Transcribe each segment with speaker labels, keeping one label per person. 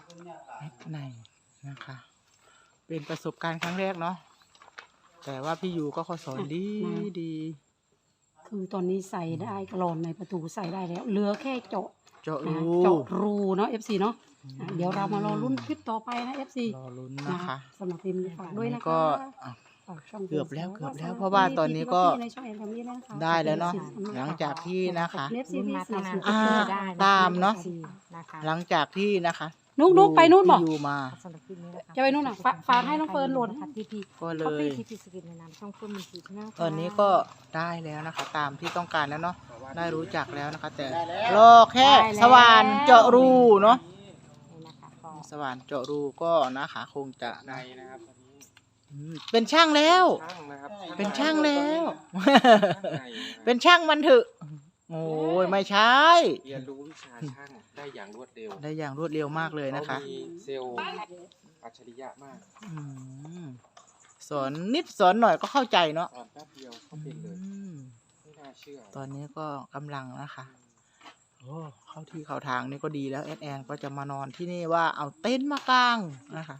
Speaker 1: ในนะคะ เป็นประสบการณ์ครั้งแรกเนาะแต่ว่าพี่ยูก็เขาสอนดีดี
Speaker 2: คือตอนนี้ใส่ได้กรอนในประตูใส่ได้แล้วเหลือแค่เจาะ
Speaker 1: เจาะรู
Speaker 2: เจาะรูเนาะ FC เนาะเดี๋ยวเรามารอลุ้นคลิปต่อไปนะ FC
Speaker 1: รอลุ้นนะคะ
Speaker 2: สำหรับทีมฝากด้วยนะคะ
Speaker 1: ก็
Speaker 2: ฝากช่อง
Speaker 1: เกือบแล้วเพราะว่าตอนนี้ก็
Speaker 2: ในช่องแอนทำนี้นะคะ
Speaker 1: ได้แล้วเนาะหลังจากที่นะคะ
Speaker 2: เน็ตซีรีส์
Speaker 1: ตามเนาะหลังจากที่นะคะ
Speaker 2: นุ๊กไปนู่นบอก
Speaker 1: พี่ยูมา
Speaker 2: จะไปนู่นอ่ะฝากให้น้องเฟิร์นโหลด
Speaker 1: ก็เลย
Speaker 3: ที่สกินในน้ำช่องเพิ่มมันสีหน้า
Speaker 1: ตอนนี้ก็ได้แล้วนะคะ ตามที่ต้องการแล้วเนาะได้รู้จักแล้วนะคะ แต่รอแค่สว่านเจาะรูเนาะสว่านเจาะรูก็นะคะคงจะ
Speaker 4: ในนะครับตอนนี้
Speaker 1: เป็นช่างแล้ว
Speaker 4: ช่างนะครับ
Speaker 1: เป็นช่างแล้ว
Speaker 4: ใน
Speaker 1: เป็นช่างมันเถอะโอ้ยไม่ใช่
Speaker 4: เรียนรู้วิชาช่างได้อย่างรวดเร็ว
Speaker 1: ได้อย่างรวดเร็วมากเลยนะคะ
Speaker 4: เขามีเซลล์อัจฉริยะมาก
Speaker 1: อืมสอนนิดสอนหน่อยก็เข้าใจเนาะ
Speaker 4: ตอนแป๊บเดียวเขาเป็นเลย
Speaker 1: อืม
Speaker 4: ไม่น่าเชื่อ
Speaker 1: ตอนนี้ก็กำลังนะคะโอ้เข้าที่เข้าทางนี่ก็ดีแล้วแอนก็จะมานอนที่นี่ว่าเอาเต็นท์มากางนะคะ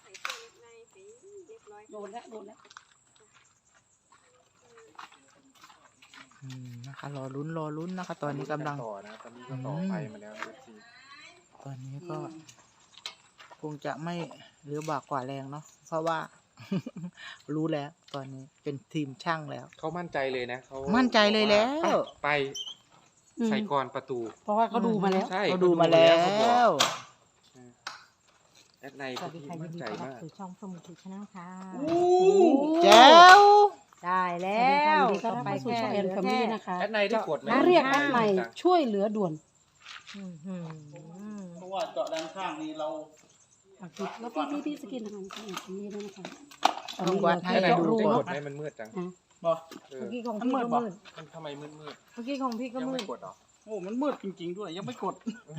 Speaker 2: โดนแล้วโดนแล้ว
Speaker 1: นะคะรอลุ้นนะคะ ตอนนี้กำลัง
Speaker 4: ต่อนะตอนนี้ก็ต่อไฟมาแล้วนะที
Speaker 1: ตอนนี้ก็ คงจะไม่เหลือบากกว่าแรงเนาะเพราะว่า รู้แล้วตอนนี้เป็นทีมช่างแล้ว
Speaker 4: เขามั่นใจเลยนะเขา
Speaker 1: มั่นใจเลยแล้ว
Speaker 4: ไปใส่กรอนประตู
Speaker 2: เพราะว่าเขาดูมาแล้ว
Speaker 4: ใช่
Speaker 1: เขาดูมาแล้ว
Speaker 4: แอดใน
Speaker 3: สวัสดี
Speaker 4: ที่
Speaker 3: ค่ะยิ
Speaker 4: มั่
Speaker 3: น
Speaker 4: น
Speaker 3: ดี
Speaker 4: ใจ
Speaker 3: ต้อนรับ
Speaker 4: มาก
Speaker 3: สู่ช่องเพิ่มมันสีหน้าค่ะ
Speaker 1: แจ๋ว
Speaker 3: ได้แล้ว
Speaker 2: สวัสดีค่ะไปสู่ช่องแอนแฟมิลี่นะคะ
Speaker 4: แอดในได้กดไหม
Speaker 2: เรียกแอดใหม่ช่วยเหลือด่วน
Speaker 1: เพราะว่าเจาะด้านข้างนี้เรา
Speaker 2: แล้วพี่สกินนะคะช่องแอนแฟมิลี่ด้วยนะคะ
Speaker 1: ต้องวัดให้
Speaker 4: แอดใน
Speaker 1: ดู
Speaker 4: ได้
Speaker 1: ก่
Speaker 4: ก
Speaker 1: อ
Speaker 4: ด
Speaker 1: น
Speaker 4: ไหมมันมืดจัง
Speaker 1: บอก
Speaker 4: เออ
Speaker 3: เมื่อกี้ของพี่ก็มืด
Speaker 4: มันทำไมมืด
Speaker 3: เมื่อกี้ของพี่ก็
Speaker 4: ยัง
Speaker 3: มื
Speaker 4: ไม่
Speaker 3: ด
Speaker 4: กดเหรอ
Speaker 1: โอ้มันมืดจริงๆด้วยยังไม่กด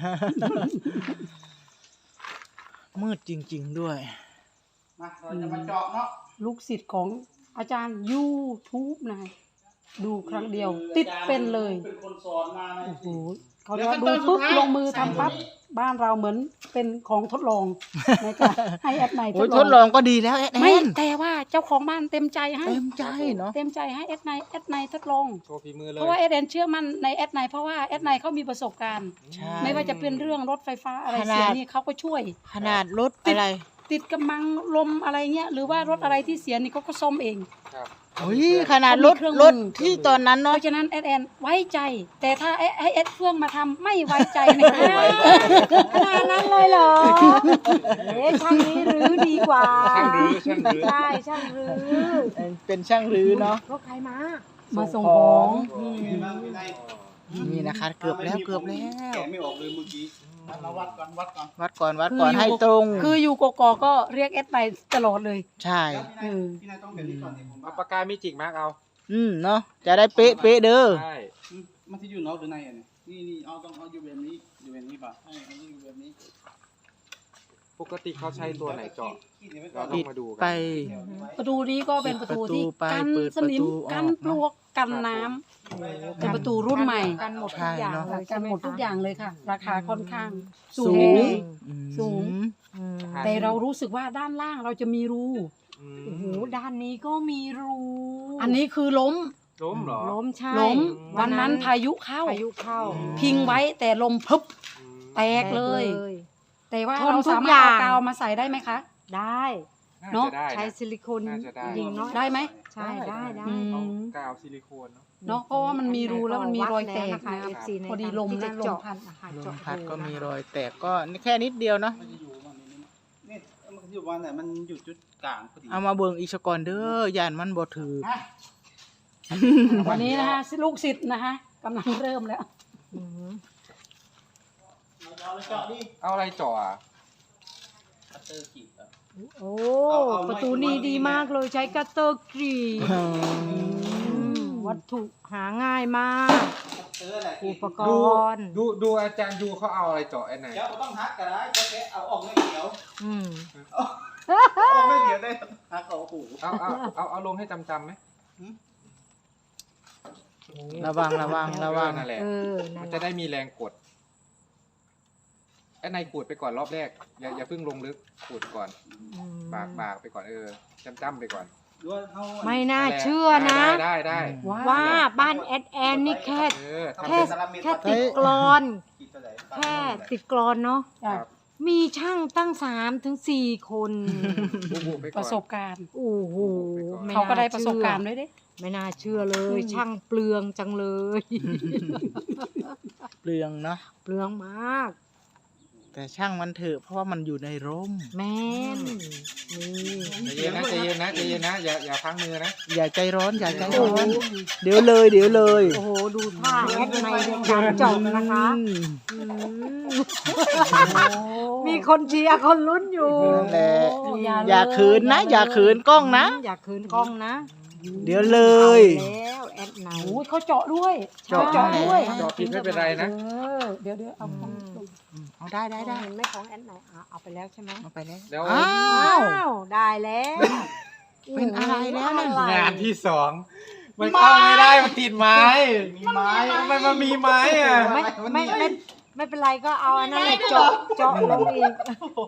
Speaker 1: มืดจริงๆด้วยมาเราจะมาเจาะเนาะ
Speaker 2: ลูกศิษย์ของอาจารย์ YouTube นะคะดูครั้งเดียว ติดเป็นเลย
Speaker 1: เป็นคนสอนมานะ
Speaker 2: โอ้โหเขาเรียกว่าดูปุ๊บลงมือทำปั๊บบ้านเราเหมือนเป็นของทดลองในการให้แอดไน
Speaker 1: โอ้ยทดลองก็ดีแล้วแอด
Speaker 2: ไม่
Speaker 1: แอน
Speaker 2: แต่ว่าเจ้าของบ้านเต็มใจให้
Speaker 1: เต็มใจเนาะ
Speaker 2: เต็มใจให้แอดไนทดลอง
Speaker 4: โชว์ฝีมือเล
Speaker 2: เพ
Speaker 4: ย
Speaker 2: ราะว่าแอดเชื่อมั่นในแอดไนเพราะว่าแอดไนเขามีประสบการณ์
Speaker 1: ใช่
Speaker 2: ไม่ว่าจะเป็นเรื่องรถไฟฟ้าอะไร
Speaker 1: ขนาด
Speaker 2: เสียนี่เขาก็ช่วย
Speaker 1: ขนาดรถอะไร
Speaker 2: ติดกำมังลมอะไรเงี้ยหรือว่ารถอะไรที่เสียนี่เขาก็ซ่อมเอง
Speaker 4: ครับ
Speaker 1: โอ้ยขนาดรถ
Speaker 2: เขามีเครื่องมือ
Speaker 1: รถที่ตอนนั้น
Speaker 2: เพ
Speaker 1: เนาะ
Speaker 2: ราะฉะนั้นแอดไว้ใจ แต่ถ้าให้แอดเฟื่องมาทำไม่ไว้ใจนะ
Speaker 3: ขนาดนั้นเลยเหรอเอ๊ะช่างนี้รื้อดีกว่า
Speaker 4: ช่างรื้อช่างรื้อ
Speaker 3: ใช่ช่างรื้อ
Speaker 1: เป็นช่างรื้อเนาะ
Speaker 3: รถใครมา
Speaker 2: มาส่งของ
Speaker 1: นี่นะคะ เกือบแล้วเกือบแล้ว
Speaker 5: แกะไม่ออกเลยเมื่อกี้เราวัดก่อน
Speaker 1: วัดก่อนให้ตรง
Speaker 2: คืออยู่กกก็เรียกแอดไปตลอดเลย
Speaker 1: ใช่
Speaker 5: พี่นายต้องแบบนี้ก่อนเนี่ยผม
Speaker 4: เอา
Speaker 5: ว่า
Speaker 4: ปากกามิจิกมาร์กเอา
Speaker 1: เนาะจะได้เป๊ะเด้อ
Speaker 4: ใช่
Speaker 5: มันจะอยู่นอกหรือในอ่ะเนี่ยนี่เอาต้องเอาอยู่แบบนี้อยู่แบบนี้ป่ะใช่เอาอยู่แบบนี้
Speaker 4: ปกติเขาใช้ตัวไหนเจาะ
Speaker 5: ขีดไว้ก่อ
Speaker 4: เรา
Speaker 5: น
Speaker 4: ต้องมาดูกั
Speaker 1: ไป
Speaker 2: ประตูนี้ก็เป็นประตูที่
Speaker 1: เปิดประตูไป
Speaker 2: กัน
Speaker 1: เปิด
Speaker 2: สนิม
Speaker 1: ประตูออก
Speaker 2: กันปลวกกันน้ำเป็นประตูรุ่นใหม่
Speaker 3: กันหมดทุกอย่าง
Speaker 1: ใช่เนอะ
Speaker 3: เลย
Speaker 2: กันหมดทุกอย่างเลยค่ะ ราคาค่อนข้างสู
Speaker 1: สู
Speaker 2: ง
Speaker 1: ง
Speaker 2: สูง
Speaker 3: อืม
Speaker 2: แต่เรารู้สึกว่าด้านล่างเราจะมีรู
Speaker 4: อืม
Speaker 3: โอ้โหด้านนี้ก็มีรู
Speaker 2: อันนี้คือล้ม
Speaker 4: ล้มเหรอ
Speaker 3: ล้มใช่
Speaker 2: ล้มวันนั้นพายุเข้า
Speaker 3: พายุเข้า
Speaker 2: พิงไว้แต่ลมพึบ
Speaker 4: อืม
Speaker 2: แตกเลย แต่ว่า
Speaker 3: ทน
Speaker 2: เรา
Speaker 3: ทุ
Speaker 2: สาก
Speaker 3: อ
Speaker 2: มารถ
Speaker 3: ย่าง
Speaker 2: เอากาวมาใส่ได้ไหมคะ
Speaker 3: ได้
Speaker 4: น่า
Speaker 2: เนอะ
Speaker 4: จะได้นะ
Speaker 3: ใช้ซิลิโคน
Speaker 4: น่าจะได้
Speaker 3: ยิงเนาะ
Speaker 2: ได้ไหม
Speaker 3: ใช่ได้ได้
Speaker 2: อื
Speaker 4: เอา
Speaker 2: ม
Speaker 4: กาวซิลิโคนเนาะ
Speaker 2: เนาะเพราะว่ามันมีรูแล้วมันมีรอยแตก
Speaker 3: วัดล้ว
Speaker 2: นะ
Speaker 3: นะคะ FC ใน
Speaker 2: พอดีลม
Speaker 3: ที่
Speaker 2: นะ
Speaker 3: จะ
Speaker 2: ลม
Speaker 3: เจาะ
Speaker 2: พัด
Speaker 3: นะคะ
Speaker 1: ลม
Speaker 3: เจาะ
Speaker 1: พัดก็
Speaker 3: รู
Speaker 1: มี
Speaker 3: นะคะ
Speaker 1: รอยแตกก็แค่นิดเดียวเนาะ
Speaker 5: มันจะอยู่วันนี้เนี่ยมันอยู่วันไหนมันอยู่จุดกลางพอดี
Speaker 1: เอามาเบิ่งอีกสกอนเด้อย่านมันบ่ถือ
Speaker 2: วันนี้นะคะลูกศิษย์นะคะกำลังเริ่มแล้ว
Speaker 3: อืม
Speaker 5: เอาเลยเจาะดิ
Speaker 4: เอาอะไรเจาะอ่ะ
Speaker 5: คัตเตอร์ขีดอ่ะ
Speaker 3: โอ้
Speaker 5: เอา
Speaker 3: ประตูนี้ดีมากเลยใช้กัตเตอร์กรีดวัตถุหาง่ายมาก
Speaker 5: คัตเตอร์อะไร
Speaker 3: อุปก
Speaker 4: ดู
Speaker 3: รณ์
Speaker 4: ดูอาจารย์ดูเขาเอาอะไรเจาะไอ้ไหน
Speaker 5: เดี๋ยวต้องฮักกันนะจะแค่เอาออกไม่เดี๋ยว
Speaker 3: อืม
Speaker 5: ออกไม่เดี๋ยวได้ฮักเอาหู
Speaker 4: เอาลงให้จำไหม
Speaker 1: ระวัง
Speaker 4: นั่นแหละ
Speaker 3: เออนั่
Speaker 4: มัน น
Speaker 3: แห
Speaker 4: จะ
Speaker 3: ละ
Speaker 4: ได้มีแรงกดแอนไนขูดไปก่อนรอบแรกอย่าเพิ่งลงลึกขูดก่อนบากไปก่อนจ้ำไปก่อน
Speaker 5: หรือว่าเขา
Speaker 3: ไม่น่าเชื่อนะ
Speaker 4: ได้
Speaker 3: ว่าบ้านแอดแอนนี่แค่
Speaker 4: ทำ
Speaker 3: แค่
Speaker 4: เป็น
Speaker 3: แค่ติดกรอน
Speaker 5: ขีดเท่าไหร่
Speaker 3: แค่ติดกรอนเนาะ
Speaker 2: จ้ะ
Speaker 4: ครับ
Speaker 3: มีช่างตั้ง3 ถึง 4 คน
Speaker 4: บุบไป
Speaker 2: ป
Speaker 4: ก่อน
Speaker 2: ระสบการณ์
Speaker 3: โอ้โหม่
Speaker 2: เขาก็ได้
Speaker 3: น่
Speaker 2: ประสบการณ์ด้วยเด้
Speaker 3: ไม่น่าเชื่อเลย ช่างเปลืองจังเลย
Speaker 1: เปลืองเนาะ
Speaker 3: เปลืองมาก
Speaker 1: แต่ช่างมันเถอะเพราะว่ามันอยู่ในร่ม
Speaker 3: แม่นนี่
Speaker 4: ใจเย็นนะอย่าพังมือนะ
Speaker 1: อย่าใจร้อนอย่าใจร้อน เดี๋ยวเลย
Speaker 3: โอ้โหดูท่าแอดในการเจบนะคะ
Speaker 1: อืม
Speaker 3: อืมมีคนเชียร์คนลุ้นอยู่
Speaker 1: นั่นแหละ
Speaker 2: โอ้
Speaker 1: อย่าขืนนะอย่าขืนกล้องนะ
Speaker 3: อย่าขืนกล้องนะ
Speaker 1: เดี๋ยวเลย
Speaker 3: เอาแล้วแอดไหน
Speaker 2: โอ้ยเขาเจาะด้วย
Speaker 1: เจาะ
Speaker 2: ด้วย
Speaker 4: จอผิดไม่เป็นไรนะ
Speaker 2: เดี๋ยวเอาของ
Speaker 1: เอาได้
Speaker 3: เห็นไหม่ของแอดไหนเอาไปแล้วใช่ไหม
Speaker 1: เอาไปแล้ว
Speaker 4: แล้ว
Speaker 1: อ้าว
Speaker 3: อ้าวได้แล้ว
Speaker 1: เป็นอะไรแล้วนั่น
Speaker 3: อะไร
Speaker 4: งานที่สองมันเข้าไม่ได้มันติดไม้
Speaker 5: มีไม้
Speaker 4: ทำไมมันมีไม้อ่ะ
Speaker 3: ไม่เป็นไรก็เอาอันนั้นแหละเจาะลงอีก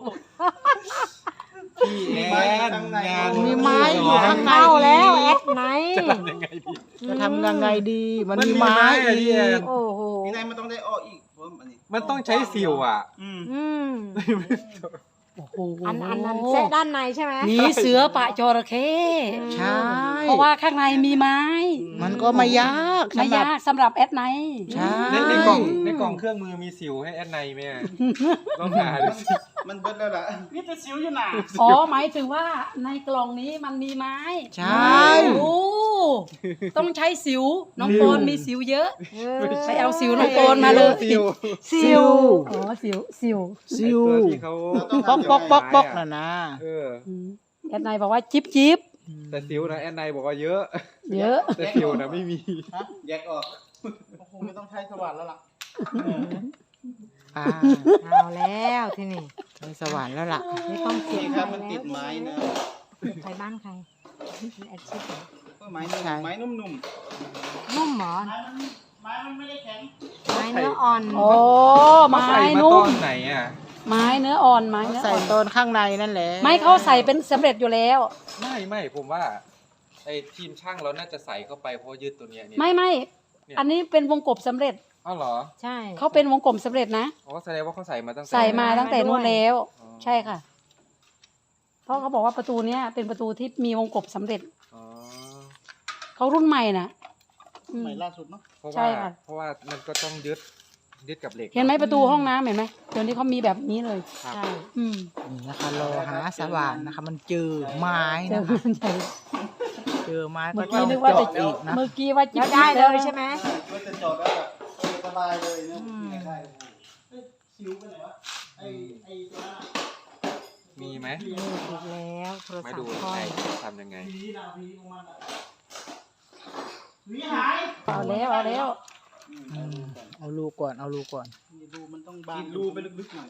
Speaker 4: พี่แอนงาน
Speaker 1: มีไม้อยู่ข้างใน
Speaker 3: เข้าแล้วแอดไหน
Speaker 1: จะทำยังไงดี มัน
Speaker 4: มัน
Speaker 1: มี
Speaker 4: มี
Speaker 1: ไม้
Speaker 4: ไม้อะ
Speaker 1: อี
Speaker 4: พี่แอน
Speaker 1: ก
Speaker 3: โอ้โห
Speaker 5: มีไหนมันต้องได้ออกอีกเพราะอันนี้
Speaker 4: มันต้องใช้สิวอ่ะ
Speaker 5: อืม
Speaker 3: อืม
Speaker 2: โอ้โห
Speaker 3: อันนั้นแซะด้านในใช่ไหม
Speaker 2: หนีเสือปะจระเข้
Speaker 1: ใช่
Speaker 2: เพราะว่าข้างในมีไม้
Speaker 1: มันก็ไม่ยาก
Speaker 2: ไม่
Speaker 1: สำหรับ
Speaker 2: ยากสำหรับแอดไนท์
Speaker 1: ใช่
Speaker 4: ในกล่องเครื่องมือมีสิวให้แอนไนไหมอะลองหาดูสิ
Speaker 5: มันเบิดแล้วล่ะนี่จะสิวอยู่หนา
Speaker 2: อ๋อหมายถึงว่าในกล่องนี้มันมีไม้
Speaker 1: ใช่
Speaker 2: โอ้ต้องใช้สิว น้องโปนมีสิวเยอะ
Speaker 3: เออ
Speaker 2: ไปเอาสิวน้องโปนมาเลย
Speaker 4: สิว
Speaker 1: ซิว
Speaker 2: อ๋อสิว
Speaker 1: ซิว
Speaker 4: ไอ้ตัวที่เขา
Speaker 1: ป๊อกน่ะนะ
Speaker 4: เออ
Speaker 2: แอดไนท์บอกว่าจิ๊บจิ๊บ
Speaker 4: แต่สิวนะแอนไนบอกว่าเยอะ
Speaker 2: เยอะ
Speaker 4: แต่สิวนะไม่มี
Speaker 5: แยกออกโอ้โหไม่ต้องใช้สว่านแล้วล่ะ
Speaker 1: อ่า
Speaker 3: เอาแล้วที่นี่
Speaker 1: ในสวรรค์แล้วล่ะ
Speaker 3: ไม่ต้องเสีย
Speaker 5: นี่
Speaker 3: ง
Speaker 5: ครับมันติดไม้นะ
Speaker 3: ใครบ้านใครแอดชิปเหรอ
Speaker 5: ก็ไม้นุ่มไม้นุ่ม
Speaker 3: นุ่มหมอน
Speaker 5: ไม้มันไม่ได้แข็ง
Speaker 3: ไม้เนื้ออ่อน
Speaker 2: โอ้ไม้
Speaker 4: ใส่มา
Speaker 2: นุ่
Speaker 4: ต
Speaker 2: ม
Speaker 4: อนไหนอ่ะ
Speaker 2: ไม้เนื้ออ่อนไม้เนื้อ
Speaker 1: ใส่
Speaker 2: อ่อน
Speaker 1: ต้นข้างในนั่นแหละ
Speaker 2: ไม่เขาใส่เป็นสำเร็จอยู่แล้ว
Speaker 4: ไม่ผมว่าไอ้ทีมช่างเราน่าจะใส่เข้าไปเพราะยืดตัวเนี้ยเนี่ย
Speaker 2: ไม่
Speaker 4: เนี่ย
Speaker 2: อันนี้เป็นวงกบสำเร็จ
Speaker 4: อ้าวเหรอ
Speaker 3: ใช่
Speaker 2: เขาเป็นวงกบสำเร็จนะ
Speaker 4: อ๋อแสดงว่าเขาใส่มาตั้งแต่
Speaker 2: ใส่มาตั้งแต่นู้นแล้ว
Speaker 4: อ๋อ
Speaker 2: ใช่ค่ะ เพราะเขาบอกว่าประตูเนี้ยเป็นประตูที่มีวงกบสำเร็จ
Speaker 4: อ๋อ
Speaker 2: เขารุ่นใหม่นะอืม
Speaker 5: ใหม่ล่าสุดเนาะ
Speaker 4: เพราะ
Speaker 2: ใช่
Speaker 4: ว่า
Speaker 2: ค่ะ
Speaker 4: เพราะว่ามันก็ต้องยึดกับเหล็ก
Speaker 2: เห็นไหมประตูห้องน้ำเห็นไหมเดี๋ยวนี้เขามีแบบนี้เลย
Speaker 4: ครับ
Speaker 3: ใช่
Speaker 2: อืม
Speaker 1: นี่นะคะรอหาสว่านนะคะ มันเจอไม้
Speaker 2: เจอ
Speaker 1: นะคะ
Speaker 2: มันใหญ่
Speaker 1: เจอไม้ก็
Speaker 2: เมื่อ
Speaker 1: ต้
Speaker 2: กี้
Speaker 1: อง
Speaker 2: นึกว่าจะ
Speaker 1: เจาะอีกนะ
Speaker 2: เมื่อกี้ว่า
Speaker 3: แล้วได้เลยใช่ไหม
Speaker 5: ก็จะจอดแล้วแบบสบายเลยเนาะได้สิวไปไหนวะไอ้ตัวนั้น
Speaker 4: มีไหม
Speaker 3: นี่ถูกแล้วโทร
Speaker 4: มา
Speaker 3: ศัพ
Speaker 4: ดู
Speaker 3: ท์ค่อ
Speaker 4: ไอ้
Speaker 3: ย
Speaker 4: ทำยังไง
Speaker 5: ผีดาวผีของมันอะผีหาย
Speaker 2: เอาแล้วเอาแล้ว
Speaker 1: เอาลูกก่อนเอาลูกก่อน
Speaker 5: รูมันต้องบางกรีดรูไปลึกๆหน่อย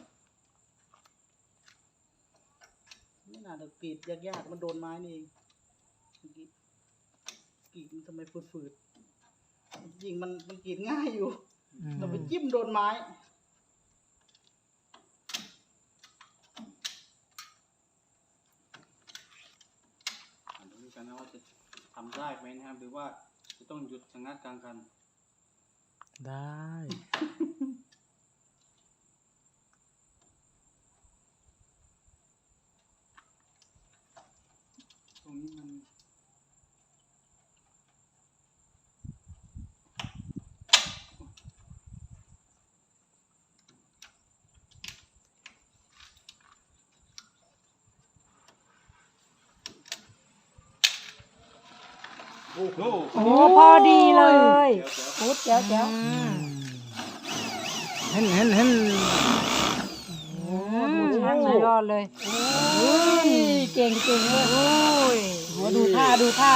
Speaker 5: ไม่น่าจะกรีดยากๆมันโดนไม้นี่เองกรีดมันทำไมฝืดๆจริงมันกรีดง่ายอยู่
Speaker 1: อืม
Speaker 5: เราไปจิ้มโดนไม้ดูกันนะว่าจะทำได้ไหมนะครับหรือว่าจะต้องหยุดชะงักกลางกัน
Speaker 1: ได้
Speaker 5: ตรงนี้มันโอ้โห
Speaker 3: โอ้พอดีเลย
Speaker 2: ปุ๊บเดี๋ยว
Speaker 3: อืม
Speaker 1: เห็น
Speaker 3: โอ้ดูช่างสุดยอดเลย
Speaker 2: เก่งเลย
Speaker 3: โอ้ย
Speaker 2: โอ้ดูท่า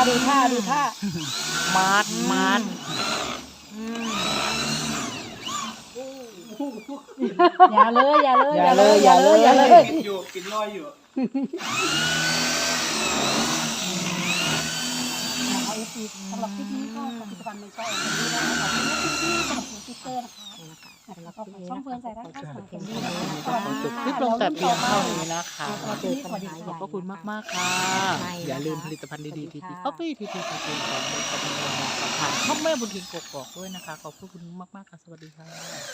Speaker 1: มาด
Speaker 3: อืม
Speaker 2: อย่าเลย
Speaker 5: กินอยู่กินลอยอยู่
Speaker 2: นะคะเอฟซีสำหรับคลิปนี้ก็ผลิตภัณฑ์ในช่องนี้นะคะขอบคุณที่สนับสนุนสติ๊กเกอร์นะคะแล้วก็ฝาก
Speaker 3: ช่องเพื่อนใส่ได้ค่ะ
Speaker 1: ขอจบคลิปลงแต่เพียงเท่านี้นะคะ
Speaker 3: เราจะมีปัญหา
Speaker 1: ขอบพระคุณมาก ๆ ค่ะ อย่าลืมผลิตภัณฑ์ดีๆทีทีคอฟฟี่ทีทีคาเฟ่ของบริษัทของผ่านช่องแม่บุญทิ้งกกอกด้วยนะคะ ขอบพระคุณมาก ๆ ค่ะ สวัสดีค่ะ